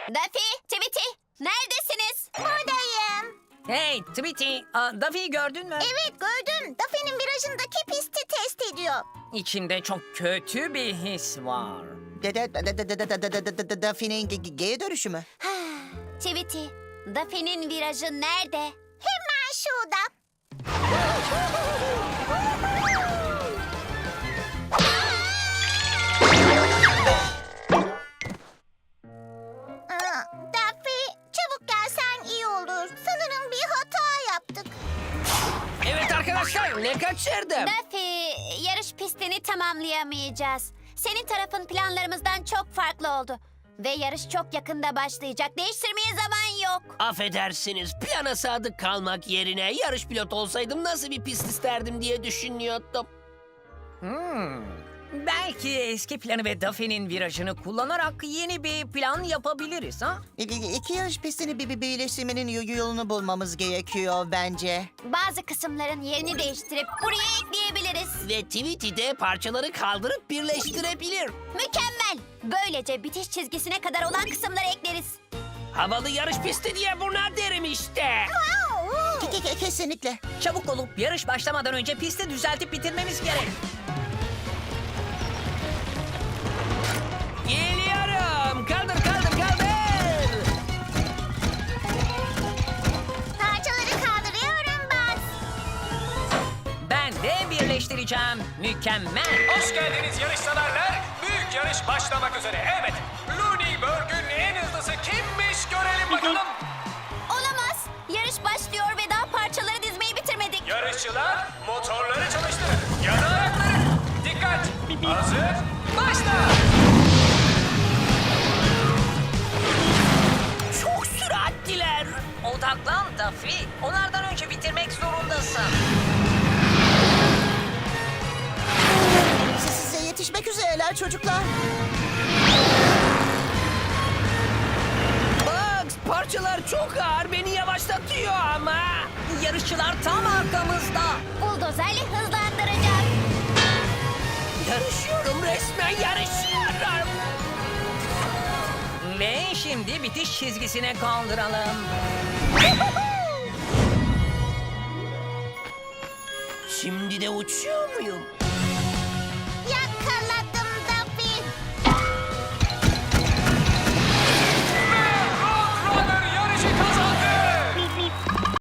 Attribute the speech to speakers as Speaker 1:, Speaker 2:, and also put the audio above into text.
Speaker 1: Daffy, Tweety, neredesiniz? Buradayım.
Speaker 2: Hey Tweety, Duffy'yi gördün mü?
Speaker 1: Evet gördüm. Daffy'nin virajındaki pisti test ediyor.
Speaker 2: İçimde çok kötü bir his var.
Speaker 3: Daffy'nin geri dönüşü mü?
Speaker 1: Tweety, Daffy'nin virajı nerede? Hemen şurada. Daffy, çabuk gelsen iyi olur. Sanırım bir hata yaptık.
Speaker 4: Evet arkadaşlar, ne kaçırdım?
Speaker 1: Daffy, yarış pistini tamamlayamayacağız. Senin tarafın planlarımızdan çok farklı oldu. Ve yarış çok yakında başlayacak. Değiştirmeye zaman yok.
Speaker 4: Affedersiniz, plana sadık kalmak yerine yarış pilotu olsaydım nasıl bir pist isterdim diye düşünüyordum.
Speaker 2: Belki eski planı ve Duffy'nin virajını kullanarak yeni bir plan yapabiliriz ha?
Speaker 3: İki yarış pistini birleştirmenin yolunu bulmamız gerekiyor bence.
Speaker 1: Bazı kısımların yerini değiştirip buraya ekleyebiliriz.
Speaker 4: Ve Tweety de parçaları kaldırıp birleştirebilir.
Speaker 1: Mükemmel. Böylece bitiş çizgisine kadar olan kısımları ekleriz.
Speaker 4: Havalı yarış pisti diye buna derim işte.
Speaker 3: Kesinlikle.
Speaker 2: Çabuk olup yarış başlamadan önce pisti düzeltip bitirmemiz gerek.
Speaker 4: Geliyorum. Kaldır, kaldır, kaldır.
Speaker 1: Parçaları kaldırıyorum Buzz.
Speaker 2: Ben de birleştireceğim. Mükemmel.
Speaker 5: Hoş geldiniz yarış severler. Büyük yarış başlamak üzere. Evet, Looneyburg'un en hızlısı kimmiş görelim bakalım.
Speaker 1: Olamaz. Yarış başlıyor ve daha parçaları dizmeyi bitirmedik.
Speaker 5: Yarışçılar motorları çalıştırın. Yana ayakları. Dikkat. Hazır. Başla.
Speaker 4: Çok süratliler.
Speaker 2: Odaklan Duffy. Onlardan önce bitirmek zorundasın.
Speaker 3: Size yetişmek üzereler çocuklar.
Speaker 4: Bugs, parçalar çok ağır. Beni yavaşlatıyor ama.
Speaker 2: Yarışçılar tam arkamızda.
Speaker 1: Buldozerle hızlandıracak.
Speaker 4: Yarışıyorum, resmen yarışıyorum.
Speaker 2: Ve şimdi bitiş çizgisine kaldıralım.
Speaker 4: Şimdi de uçuyor muyum?